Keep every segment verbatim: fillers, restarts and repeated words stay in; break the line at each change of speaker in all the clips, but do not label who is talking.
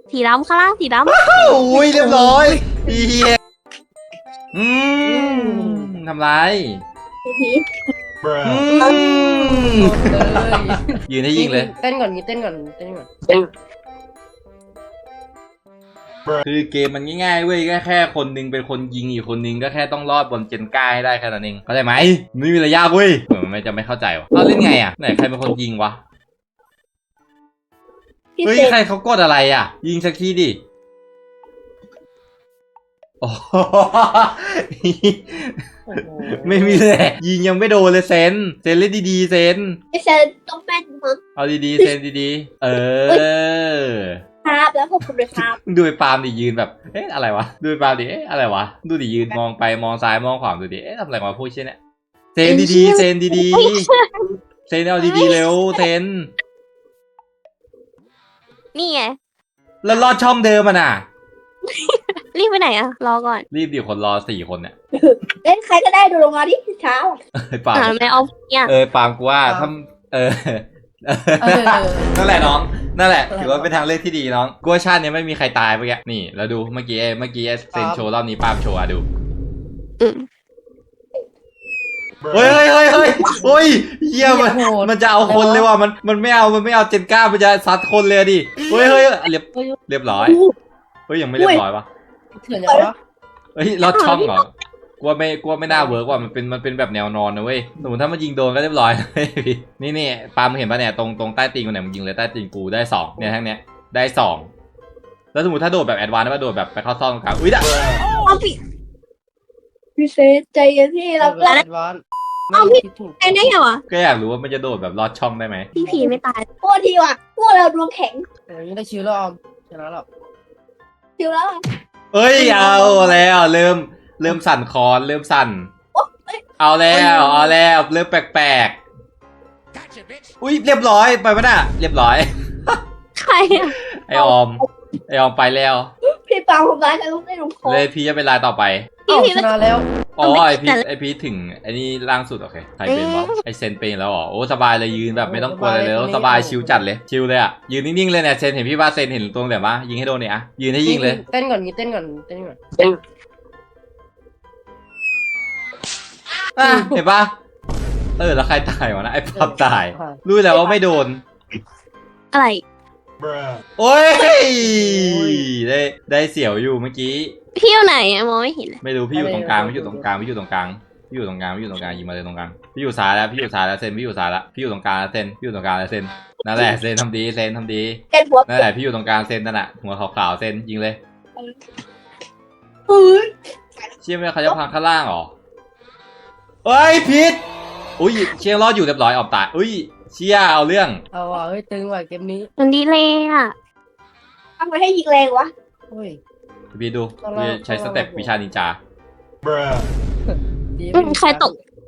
สีดำข้างล่างสีดำ
โอ้ยเรียบร้อยเฮียอืมทำไรอืมยืนให้ยิงเลย
เต้นก่อนงี้เต้นก่อนเต้นก่อน
คือเกมมันง่ายๆเว้ยก็แค่คนนึงเป็นคนยิงอีกคนนึงก็แค่ต้องรอดบนเจนก้าให้ได้แค่นั้นเองเข้าใจไหมไม่มีอะไรยากเว้ยเหมือนมันจะไม่เข้าใจวะเราเล่นไงอ่ะไหนใครเป็นคนยิงวะเฮ้ยใครเขากดอะไรอ่ะยิงสักทีดิโอ้ไม่มีเลยยิงยังไม่โดนเลยเซนเซนเล่นดีๆเซน
ไอเซนต้องแม่นมั้ง
เอาดีๆเซนดีๆเออ
ครับแล้วขอบคุณเลยครับ
ดูไอ้ปาล์มดิยืนแบบเอ๊ะอะไรวะดูไอ้ปาล์มดิเอ๊ะอะไรวะดูดิยืนมองไปมองซ้ายมองขวาดูดิเอ๊ะทำอะไรวะพูดเช่นเนี้ยเซนดีๆเซนดีๆเซนเอาดีๆเร็วเซน
นี่ไง
แล้วลอดช่องเดิมมันอ่ะ
รีบไปไหนอะรอก่อน
รีบดิคนรอสี่คนเนี่ย
เล่นใครก็ได้ดูลงมาดิเช้า
ไอ้ปาล์ม
อ่าไม่เอาเนี่ย
เออปาล์มกูว่าถ้าเออนั่นแหละน้องนั่นแหละถือว่าเป็นทางเลือกที่ดีน้องกูว่าชาตินี้ไม่มีใครตายเมื่อกี้นี่แล้วดูเมื่อกี้เมื่อกี้เซนโชว์รอบนี้ปาล์มโชว์อะดู
อืม
เฮ้ยเฮ้ยเฮ้ยเฮ้ยเฮ้ยเฮียมันมันจะเอาคนเลยว่ะมันมันไม่เอามันไม่เอาเจนก้ามันจะซัดคนเลยดิเฮ้ยเฮ้ยเรียบเรียบร้อยเฮ้ยยังไม่เรียบร้อยวะ
เถื่อนยังวะ
เฮ้ยลอดช่องเหรอกลัวไม่กลัวไม่น่าเวิร์กว่ามันเป็นมันเป็นแบบแนวนอนนะเว้ยสมมติถ้ามันยิงโดนก็เรียบร้อยนี่นี่ปาล์มเห็นปะเนี่ยตรงตรงใต้ตีนกูเนี่ยมันยิงเลยใต้ตีนกูได้สองเนี่ยทั้งเนี้ยได้สองแล้วสมมติถ้าโดดแบบแอดวานซ์ได้ป่ะโดดแบบไปเข้าซ่อนตรงกลางอุ้ยด่ะ
เอาพี่พี่เซนใจเย็นพี่เรา
แล้
แล้ว
ววาน
เอาพี่ไอ้นี่ไงวะ
ก็อยากรู้ว่ามันจะโดดแบบลอดช่องได้ไหม
พี่ผีไม่ตาย
พวกทีว่ะพวกเราดวงแข็ง
โอ้ยได้ชิวแล้วออมชนะแล้ว
ชิวแล้ว
เอ้ยเอาแล้วเริ่มเริ่มสั่นคอนเริ่มสั่นเอาแล้วเอาแล้วเริ่มแปลกๆอุ้ยเรียบร้อยไปปะน่ะเรียบร้อย
ใครอะ
ไอออมไอออมไปแล้ว
พี่ปาทำร้ายกันต้องได้ลงคอ
เลยพี่จะเป็นรายต่อไป
พี่
เอ้า
ผี
ช
ไม่
นะแล้ว
อ๋อไอพีไอพีถึงไอนี่ล่างสุดโอเคใครเป็นวะไอเซนเป็นแล้วอ๋อโอ้สบายเลยยืนแบบไม่ต้องกลัวอะไรเลยสบายชิลจัดเลยชิลเลยอ่ะยืนนิ่งๆเลยเนี่ยเซนเห็นพี่ว่าเซนเห็นตรงแบบว่ายิงให้โดนเนี่ยอะยืนให้ยิงเลย
เต้นก่อนงี้เต้นก่อนเต้นก่อน
อ่ะเห็นปะเออแล้วใครตายวะนะไอพับตายรู้แล้วว่าไม่โดน
อะไร
โอ้ยได้ได้เสียวอยู่เมื่อกี้
พี่อยู่ไหนอะมองไม่เห็นเลย
ไม่รู้พี่อยู่ตรงกลางพี่อยู่ตรงกลางพี่อยู่ตรงกลางพี่อยู่ตรงกลางพี่อยู่ตรงกลางยิงมาเลยตรงกลางพี่อยู่ซ้ายแล้วพี่อยู่ซ้ายแล้วเซนพี่อยู่ซ้ายแล้วพี่อยู่ตรงกลางแล้วเซนพี่อยู่ตรงกลางแล้วเซนนั่นแหละเซนทำดีเซนทำดี
เป็นหัว
นั่นแหละพี่อยู่ตรงกลางเซนนั่นแหละหัวขาวๆเซนยิงเลย
เฮ้ย
เชี่ยไม่เขาจะพังข้างล่างเหรอเอ้ยพิษอุ้ยเชี่ยรอดอยู่เรียบร้อยออกตายอุ้ยเชี่ยเอาเรื่อง
เอาว่ะเฮ้ยตึงว่ะเกมนี้
มันดีเลยอะ
ทำไมให้ยิงแรงวะ
โอ้ย
พี่ดูพี่ใช้สเต็ปวิชานินจา
ดี
อืมใครตก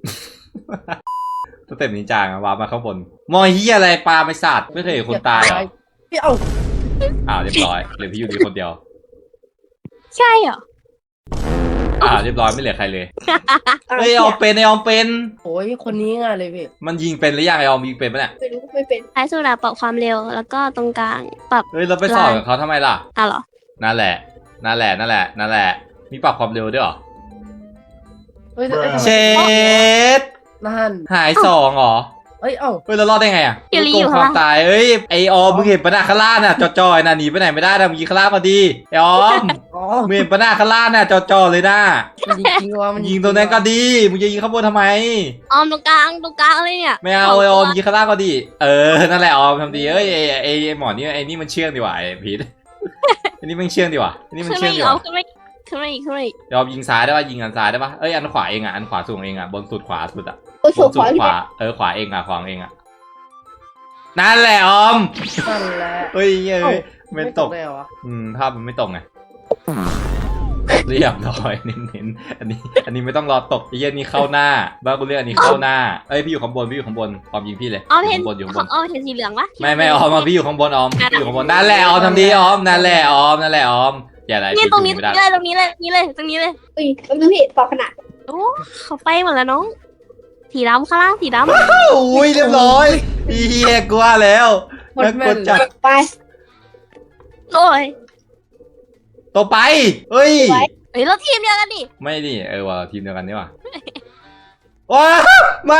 สเต็ปนินจาอะวาร์ปมาข้างบนมอยเฮียอะไรปลาไม่สัตว์ไม่เคยเห็นคนตายเหรอ
พี่เอา
อ้าวเรียบร้อยเหลือพี่อยู่ดีคนเดียว
ใช่เหรอ
อ้าวเรียบร้อยไม่เหลือใครเลยเฮ้ยไอออมเป็นไอออมเป็น
โอ้ยคนนี้ง่ายเลยพี่
มันยิงเป็นหรือยังไอออมยิงเป็นปะเนี่ย
ไม่รู้ไม่เป็น
ท้ายสุดอะปรับความเร็วแล้วก็ตรงกลางปรับ
เฮ้ยเราไปสอบกับเขาทำไมล่ะ
อ่ะเหรอ
นั่นแหละนั่นแหละนั่นแหละนั่นแหละมีปรับความเร็วด้วยเหรอ
เฮ้ย
เชด
นั่น
หายสองเหรอ
เอ้ยเอ้า
เฮ้ยเรารอดได้ไงอ่ะ
เดี๋ยวรี
โก
อง ยู่
ค
ข้าง
วาม
ล่าง
ตายเอ้ยไอออมมึงเห็นปะหน้าข้างล่างน่ะจอๆน่ะหนีไปไหนไม่ได้นะมึงยิงข้างล่างมาดีไอออม
อ๋อ
มึงเห็นปะหน้าข้างล่างน่ะจอๆเลยนะ
มันยิงจริงว่ะมัน
ยิงตรงนั้นก็ดีมึงจะยิงข้างบนทำไม
ออมตรงกลางตรงกลางเลยเนี่ย
ไม่เอาไอออมยิงข้างล่างก็ดีเออนั่นแหละออมทำดีเอ้ยไอไอไอหมอนี่ไอนี่มันเชื่องดีว่ะไอพีทไอนี่มันเชื่องดีว่ะไอนี่มัน
ขึ้น
เชื่
มา
อง
อี
ดี
กเอา
ว่ะ
ขึ้นมาอีกขึ้นมาอีกขึ้นมาอีก
ยอมยิงซ้ายได้ป่ะยิงอันซ้ายได้ป่ะเอ้ยอันขวาเองอ่ะอันขวาสูงเองอ่ะบนสุดขวาสุดอ่ะ
โอ้ย
บ
สุ
น
ด
สุ
ขวา
ด
พี่
ขวาเออขวาเองอ่ะขวาเองอ่ะนั่นแหละออม
นั่นแหละ
เฮ้ยเฮ้ยไม่ตก
ได้เหรอวะ
อืมภาพมันไม่ตกไงเรียบร้อยเน้นๆอันนี้ อันนี้ไม่ต้องรอตกไอ้เหี้ยนี่เข้าหน้าบ้ากูเรียกอันนี้เข้าหน้าเอ้ยพี่อยู่ข้างบนพี่อยู่ข้างบนออมยิงพี่เลย
ออมเห็น
ข้างบนอยู่ข้างบน
ออมเห็นสีเหลืองปะ
ไม่ไม่ออมมาพี่อยู่ข้างบนออมพี่อยู่ข้างบนนั่นแหละออมทำดีออมนั่นแหละออมนั่นแหละออมอย่าอะไร
เนี่ย
พี่
ตรงนี้
ไม่
ตร
ได้
งนี้เลยตรงนี้เลยตรงนี้เลยตรงนี้เลย
อุ้ยแป๊บนึงพี่ปอกขนาด
โอ้เขาไปหมดแล้วน้องสีดำข้างล่างสีดำ
โอ้ยเรียบร้อยเฮียกลัวแล้ว
โคตร
แล้ว
แม่
ก
น
ด
เล
จัด
ย
ไป
โดโอ้ย
ต่อไปเฮ้ย
เฮ้ยเราทีมเดียวกันดิ
ไม่ดิเออว่าทีมเดียวกันนี่ว่ะว้ามา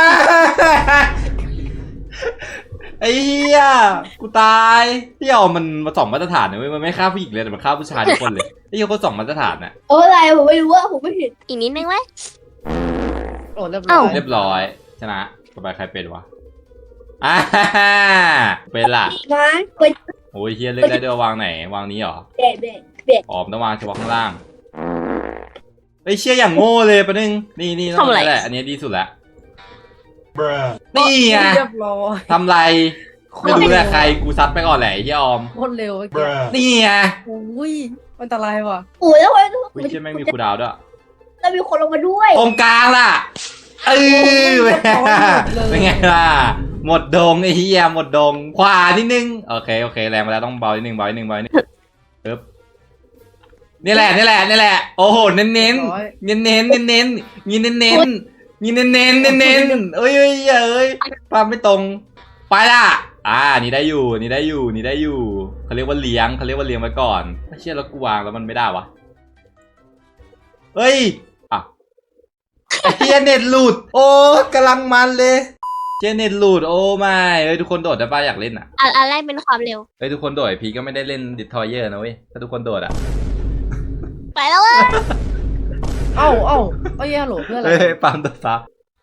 ไอ้เหี้ยกูตายพี่เอามันมาสองมาตรฐานนะเว้ยมันไม่ฆ่าผู้หญิงเลยแต่มันฆ่าผู้ชายทุกคนเลยไอ้เหี้ยคนสองมาตรฐานน่ะ
โอ้อะไรผมไม่รู้ว่าผมไม่เห็น
อีกนิดนึงไหม
โอ้เรียบร้อย
เรียบร้อยชนะต่อไปใครเป็นวะอ่าเป็นล่ะ
มาเป็น
โอ้ยเฮียเลือกได้ด้วยวางไหนวางนี้เหรอ
เบ็ดเบ็ดเบ็ด
อ๋อต้องวางเฉพาะข้างล่างไอ้ยเชี่ยอย่างโง่เลยปะนึงนี่นี่ต้องนี่แหละอันนี้ดีสุดละนี่ไง
เรียบร้อย
ทำไรไม่รู้แหละใครกูซัดไปก่อนแหละไอ้เฮียออม
โคตรเร็วเมื่อกี้
นี่ไง
โอ้ยอันตรายว่ะ
โอ้ยแล้วเว้ย
อุ้ยเชี่ยแม่งมีคูลดาวน์ด้วย
แล้วมีคนลงมาด้วย
ตรงกลางล่ะเออเป็นไงล่ะหมดดงไอ้เฮียหมดดงขวานิดนึงโอเคโอเคแรงมาแล้วต้องเบานิดนึงเบานิดนึงเบานิดนึงปึ๊บนี่แหละนี่แหละนี่แหละโอ้โหเน้นเน้นเน้นเน้นเน้นเน้นยินเน้นเน้นยินเน้นเน้นเน้นเน้นเอ้ยเอ้ยเอ้ยภาพไม่ตรงไปละอ่านี่ได้อยู่นี่ได้อยู่นี่ได้อยู่เขาเรียกว่าเลี้ยงเขาเรียกว่าเลี้ยงไว้ก่อนไม่เชื่อแล้วกูวางแล้วมันไม่ได้วะเฮ้ยอ่ะไอ้เฮียเน็ตหลุดโอ้กำลังมันเลยเจเน็ตหลุดโอ้ไม่เอ้ยทุกคนโดดได้ป่ะอยากเล่นอ่ะ
อันอันแรกเป็นความเร็ว
เฮ้ยทุกคนโดดพีก็ไม่ได้เล่นดิทอยเยอร์นะเว้ยถ้าทุกคนโดดอ่ะ
ไปแล้วเว้ย
เอ้าเอ้าเอ้ยฮัลโหลเพื่อนอะไร
เฮ้ยปั๊มตัวซับ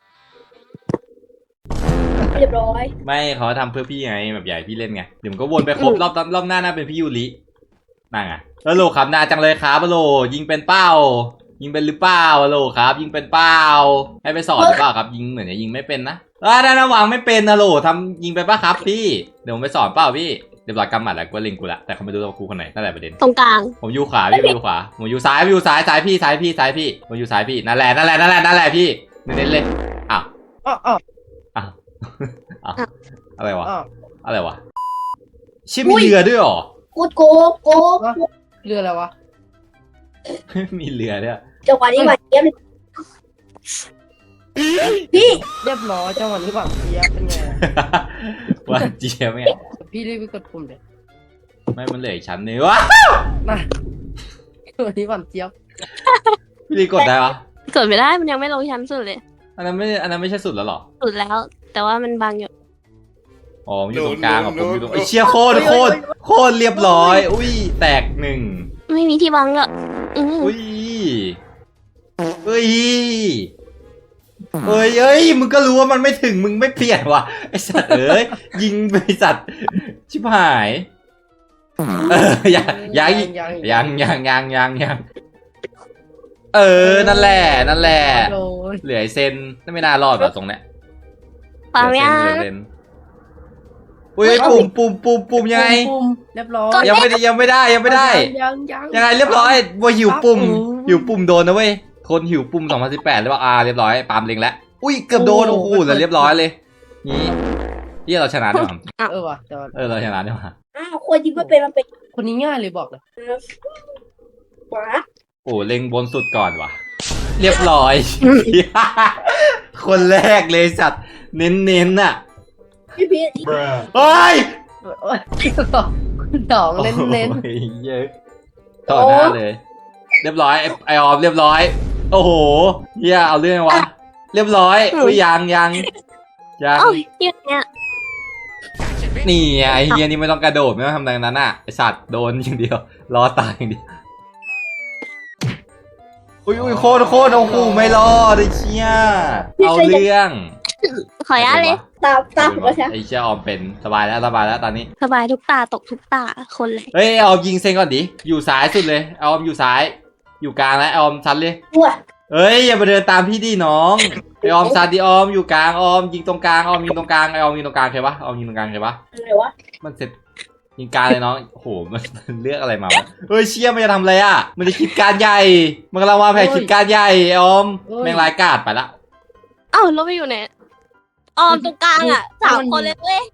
เรียบร้อย
ไม่เขาทำเพื่อพี่ไงแบบใหญ่พี่เล่นไงเดี๋ยวมันก็วนไปครบรอบรอบหน้าน่าเป็นพี่ยูรินั่งอ่ะแล้วโหลครับนาจังเลยครับโหลยิงเป็นเป้า ยิงเป็นหรือเปล่าโหลครับ ยิงเป็นเป้าให้ไปสอนหรือเปล่าครับยิงเหมือนจะยิงไม่เป็นนะอ่าด้านวางไม่เป็นนะโหลทำยิงไปป่ะครับพี่เดี๋ยวผมไปสอนเปล่าพี่เดี๋ยวหลักกำหมัดแล้วก็เล็งกูละแต่เขาไม่รู้ว่ากูคนไหนนั่นแหละประเด็น
ตรงกลาง
ผมอยู่ขวาพี่ผมอยู่ขวาผมอยู่ซ้ายผมอยู่ซ้ายซ้ายพี่ซ้ายพี่ซ้ายพี่ผมอยู่ซ้ายพี่นั่นแหละนั่นแหละนั่นแหละนั่นแหละพี่เน้นๆเลยอ้าว
อ้าวอ้าว
อ้าวอ้าวอะไรวะ
อ้าว
อะไรวะชิมีเรือด้วยหรอ
กูโกโก
เรืออะไรวะ
มีเรือด้วย
จังหวะนี้หวานเจี๊ยบเลยพี่
เรียบร้อยจังหวะนี้หวังเจี๊ยบเป็นไง
ว่าเจี๊ยบไง
พี่รีบไปกดปุ่มเลย
ไม่มันเหลืออีกชั้นนึงวะ
นะวันนี้หวังเจี๊ยบ
พี่ลีกดได้ปะ
กดไม่ได้มันยังไม่ลงชั้นสุดเลย
อันนั้นไม่อันนั้นไม่ใช่สุดแล้วหรอ
สุดแล้ว แต่ว่ามันบางอยู่
อ๋อมันอยู่ตรงกลางอ่ะผมอยู่ตรงไอ้เชี่ยโคตรโคตรโคตรเรียบร้อยอุ้ยแตกหนึ่ง
ไม่มีที่บังอ่ะอืม
อุ้ยเฮ้ยเอ้ยเอ้ยมึงก็รู้ว่ามันไม่ถึงมึงไม่เปลี่ยนวะไอสัตว์เอ้ยยิงไปสัตว์ชิบหายเออยังยังยังยังยังยังยังเออนั่นแหละนั่นแหละ
โอ้ย
เหลือไอเซนนั่นไม่น่ารอดหรอตรงเนี้ย
ปัง
เหลื
ยั
อง เซนเหลือเซนอุ้ยปุ่มปุ่มปุ่มปุ่มยังไง
ปุ่มเรียบร้อย
ยังไม่ได้ยังไม่ได้ยังไม่ได้
ยังยัง
ยังไงเรียบร้อยว่าหิวปุ่ม
อืม
หิวปุ่มโดนนะเว้ยคนหิวปุ่มสองพันสิบแปดแล้วว่าอ่าเรียบร้อยปาล์มเล็งแล้วอุ้ยเกือบโดน
โอ้
โอ้
โห
โหแล้วเรียบร้อยเลยนี่ที่เราชนะด้วยมั้ง
เออว่ะแต่ว่า
เออเราชนะด้วยมั้ง
อ้าวคนยิงไม่เป็นมันเป็น
คนนี้ง่ายเลยบอกเลย
หมา
โอ้เล็งบนสุดก่อนว่ะเรียบร้อย คนแรกเลยสัตว์เน้นๆน่ะ
พี่พีท
เฮ้ย
โอ้ยคุณดองเน้นเน้น
โอ้ยเยอะต่อหน้าเลย เรียบร้อยไอ้ไอออมเรียบร้อย โอ้โหเฮียเอาเรื่องวะเรียบร้อยอุ้ยยังยังยัง
เอ้าที่เนี้ย
นี่ไงไอ้เฮียนี่ไม่ต้องกระโดดไม่ต้องทำอะไรนั้นอ่ะไอสัตว์โดนอย่างเดียวรอตายอย่างเดียวอุ้ยอุ้ยโคตรโคตรโอ้โหไม่รอดไอ้เชี่ยเอาเรื่อง
ขออนุญาตเลย
ตามตามผมแล้วใช่
ไอ้เชี่ยออมเป็นสบายแล้วสบายแล้วตอนนี้
สบายทุกตาตกทุกตาคนเลย
เฮ้ยออมยิงเซนก่อนดิอยู่ซ้ายสุดเลยออมอยู่ซ้าย อยู่กลางแล้วออมซัดเลย
ตัว
เอ้ยอย่ามาเดินตามพี่ดิน้องไอออมซัดดิออมอยู่กลางออมยิงตรงกลางออมยิงตรงกลางไอออมยิงตรงกลางใครวะออมยิงตรงกลางใครวะ
อะไรวะ
มันเสร็จยิงกลางเลยน้องโอ้โหมันมันเลือกอะไรมาวะเฮ้ยเชี่ยมันจะทำอะไรอ่ะมันจะคิดการใหญ่มันกำลังวางแผนคิดการใหญ่ไอออมแมงรายกาดไปละ
เอ้าเราไปอยู่ไหนออมตรงกลางอ่ะสามคนเลยเว้ย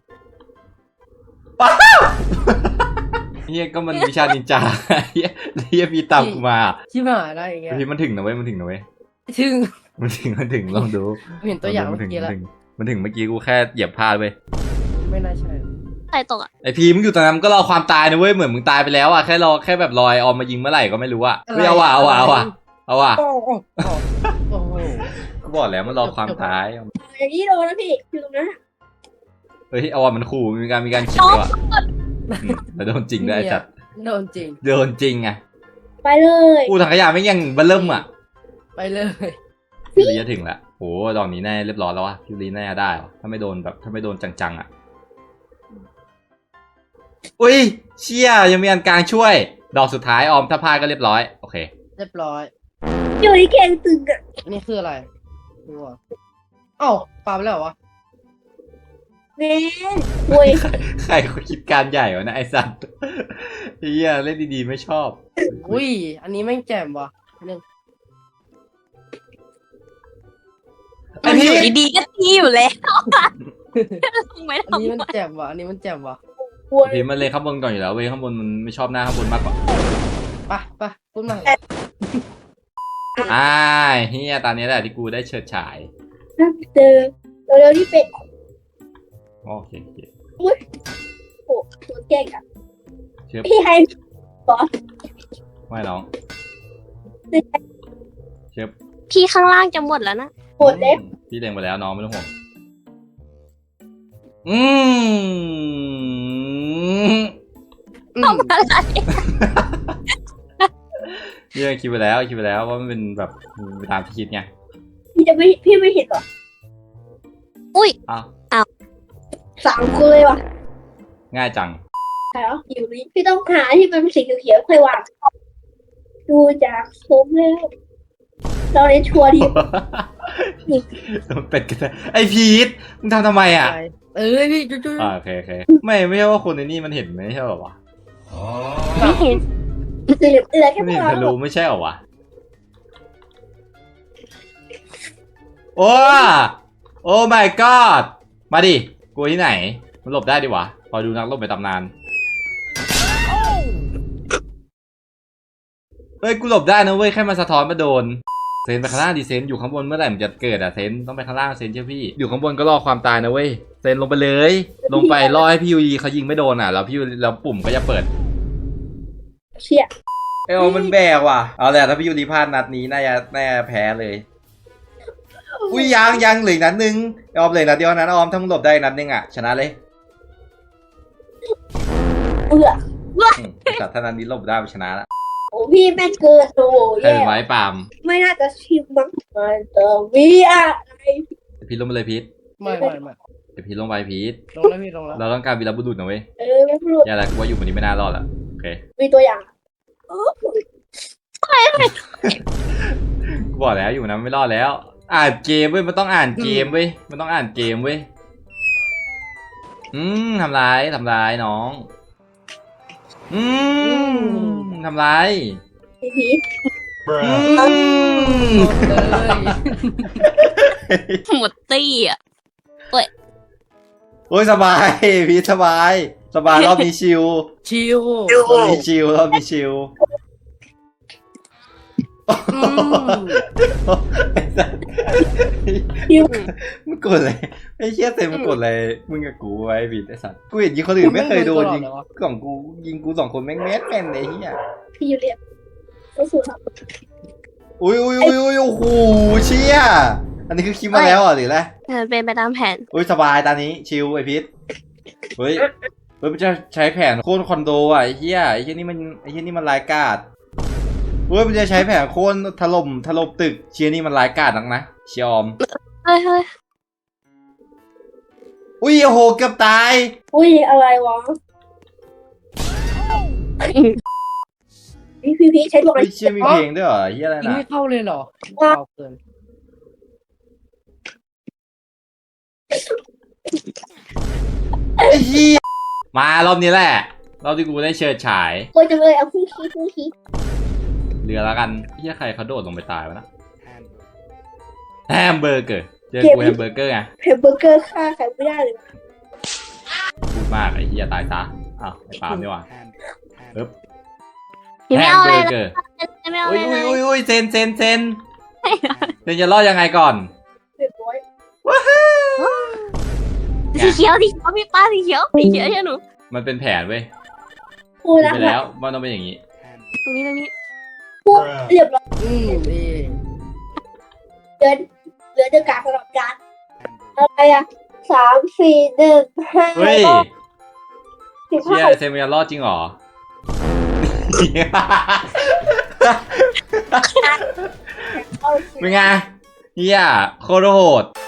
เฮียก็มันวิชานินจาเฮียเฮียพี่ตามกูมา
ชิบหายได้อย่างเงี้ย
พี่มันถึงนะเว้ยมันถึงนะเว้ย
ถึง
มันถึงมันถึงลองดู
เห็นตัวอย่าง
มั
เมื่
นถึ
อง กี้แล้ว
มันถึงมันถึงเมื่อกี้กูแค่เหยียบพลาดเว้ย
ไม่น่าใช่
ใครตกอ่ะ
ไอพีมึงอยู่ตรงนั้นมึงก็รอความตายนะเว้ยเหมือนมึงตายไปแล้วอ่ะแค่รอแค่แบบรอยออมมายิงเมื่อไหร่ก็ไม่รู้อ่ะเฮ้ยเอาว่ะเอาว่ะเอาว่ะเอาว่ะ
โอ้โหโอ้โห
ก็บอกแล้วมันรอความตาย
อย่างนี้โดนแล้วพี่อยู่ตรงนั้น
เฮ้ยเอาว่ะมันขู่มีการมีการคิดว่ะอืมแต่โดนจริงด้วยไอ้สัตว์
โดนจริง
โดนจริงอ่ะ
ไปเลย
กูถังขยะไม่งยังเบลเริ่มอ่ะ
ไปเลย
พี่ลีจะถึงละโหดอกนี้แน่เรียบร้อยแล้ววะพี่ลีน่าจะได้วะถ้าไม่โดนแบบถ้าไม่โดนจังๆอ่ะอุ้ยเชี่ยยังมีอันกลางช่วย ดอกสุดท้ายออมถ้าพลาดก็เรียบร้อยโอเค
เรียบร้อย
อยู่ที่แกงตึงอ่ะ
นี่คืออะไรดูอ่ะเอ้าปาไปแล้วเหรอวะ
แม่โวย
ใครใครเขาคิดการใหญ่วะนะไอสัตว์เฮียเล่นดีๆไม่ชอบ
อุ้ยอันนี้แม่งแจ่มว่ะหนึ่ง
ไอพี่
อยู่ดีๆก็ตีอยู่แล้วลงไม่
อันนี้
ทำ
มันแจ่มว่ะอันนี้มันแจ่มว่ะ
โวย
พี่มันเลยข้างบนก่อนอยู่แล้วเว้ยข้างบนมันไม่ชอบหน้าข้างบนมากกว่า
ไปไปพูดมา
อ่าเฮียตอนนี้แหละที่กูได้เฉิดฉาย
น่าเจอเร็วๆที่เป็ด
โอเคโอเค
โอ้โหตัวเก่งอ่ะ
เชื่อ
พี่ให้
ไม่น้องเชื่อ
พี่ข้างล่างจะหมดแล้วนะ
โหดเล็บ
พี่เล็งไปแล้วน้องไม่ต้องห่วงอืม
อืม
ทำอะไร
พี่คิดไปแล้วคิดไปแล้วว่ามันเป็นแบบไปตามที่คิดไง
พี่จะไม่พี่ไม่เห็นหรอ
อุ้ย
อ้าว
สามคนเลยว่ะ
ง่ายจัง
ใช่เหรออยู่นี่พี่ต้องหาที่มันเป็นสีเขียวๆค่อยวางดูจากโซมแล้วเราเล่นชัวร์ดี
มันเป็นกันได้ไอพีทมึงทำทำไมอ่ะ
ไปเอ้ยพี่จุ๊จุ๊
อ่าโอเคโอเคไม่ไม่ใช่ว่าคนในนี่มันเห็นไม่ใช่เหรอวะ
ไม่เห็น
สีเหลืองเหลือแค่
มัน
พว
เห็
ก
น
เรา
ทะลุไม่ใช่เหรอวะโอ้โอ้ my god มาดิกลัวที่ไหนมันหลบได้ดิวะพอดูนักรบในตำนานเฮ้ยกูหลบได้นะเว้ยแค่มันสะท้อนมาโดนเซนไปข้างล่างดิเซนอยู่ข้างบนเมื่อไหร่มันจะเกิดอะเซนต้องไปข้างล่างเซนเชื่อพี่อยู่ข้างบนก็รอความตายนะเว้ยเซนลงไปเลย ลงไปรอให้พี่ยูยีเขายิงไม่โดนอ่ะแล้วพี่ยูแล้วปุ่มก็จะเปิด
เชี่ย
เอลมันแบกว่ะเอาแหละถ้าพี่ยูรีพลาดนัดนี้น่าจะน่าจะแพ้เลยอุ้ยยังยังเหลืออกนัดนึงออมเหลืออกนัดเดียวนะออมถ้ามึงหลบได้อีกนัดนึงอ่ะชนะเลย
เบื่อ
อืมแต่ถ้านัดนี้หลบได้ชนะละ
โอ้พี่แม่งเกินโอ้
ใคร
แย่
เป็นไว้ปาล์ม
ไม่น่าจะชิมมั้งมันจะมีอะไร
เดี๋ยวพีทลงไปเลยพีท
ไม่ไม่ไม่
เดี๋ยวพีทลงไปพีท
ลงแล้วพี่ลงแล้ว
เราต้องการวีรบุรุษนะเว้ย
เออไม่รู้
อย่าละกูว่าอยู่คนนี้ไม่น่ารอดละโอเค
มีตัวอย่างเออ
กูบอกแล้วอยู่นะไม่รอดแล้ว อ่านเกมเว้ยมันต้องอ่านเกมเว้ยมันต้องอ่านเกมเว้ยอืมทำร้ายทำร้ายน้องอืมทำร้าย
พีพี
อืม
เลย
หมดตี้อ่ะ
โอ้ยสบายพีทสบายสบายรอบนี้ชิล
ชิว
รอบนี้ชิลรอบนี้ชิล
อืม
พิว
มึงกดอะไรไอ้เชี่ยเต็มมึงกดอะไรมึงกับกูไว้พีทไอ้สัตว์กูเห็นยิงคนอื่นไม่เคยโดนยิงสองกูยิงกูสองคนแม่งแม่นแม่นไอ้เหี้ย
พี่ยูเรียกก็สุดครับ
อุ้ยอุ้ยอุ้ยอุ้ยโอ้โหเชี่ยอันนี้คือคิดมาแล้วเหรอหรืออะไร
เออเป็นไปตามแผน
อุ้ยสบายตอนนี้ชิลไอพีทเฮ้ยเฮ้ยมันจะใช้แผนโค่นคอนโดอ่ะไอ้เหี้ยไอ้เหี้ยนี่มันไอ้เหี้ยนี่มันร้ายกาจเฮ้ยมันจะใช้แผนโค่นถล่มถล่มตึกเชียนี่มันร้ายกาจนักนะเชียอม
เฮ้ยเฮ้ย
อุ้ยโอ้โหเกือบตาย
อุ้ยอะไรวะพี่พีพีใช้ดวงอะไร
เฮ้ยเชียมีเพลงด้วยเหรอเหี้ยอะไร
ยิง
นะ
ไม่เข้าเลยเหรอเข้าเกิน
ไอ้เหี้ยมารอบนี้แหละรอบที่กูได้เชิดฉาย
โอ้ยจังเลยเอาคู่คีคู่คี
เรือแล้วกันเหี้ยใครเขาโดดลงไปตายวะนะแฮมเบอร์เกอร์เจอกูแฮมเบอร์เกอร์ไง
แฮมเบอร์เกอร์ฆ่าใครไม่ได้เลย
พูดมากไอ้เหี้ยตายซะอ้าวไอ้ปาล์มนี่หว่าปึ๊บ
พี่
แฮ
ไม่
ม
เอา
เบ
เล
อย ร์
นะ
เกอร์
ไม่เอา
อุ้
เลย ย
อุ้ย
เล
อุ้
ย
ยอุ้ยเซนเซนเซนเซนจะรอดยังไงก่อน
เรียบร้อย
สีเขียวสีเขียวพี่ป้าสีเขียวสีเขียวใช่หนู
มันเป็นแผนเว้ย
พู
คิ
ด
ด
แล้ว
ไปแล้วมันต้องเป็นอย่างนี้
ตรงนี้ตรงนี้
พูดเรียบร้อย
อืมนี่
เหลือเหลือเดือการตลอดการอะไรอะสามสี่หนึ่งห้า
เฮ้ย
สิบ
เชี่
ห้าย
เซมิยารอดจริงเหรอ
เอา
เป็นไงเฮียโคตรโหด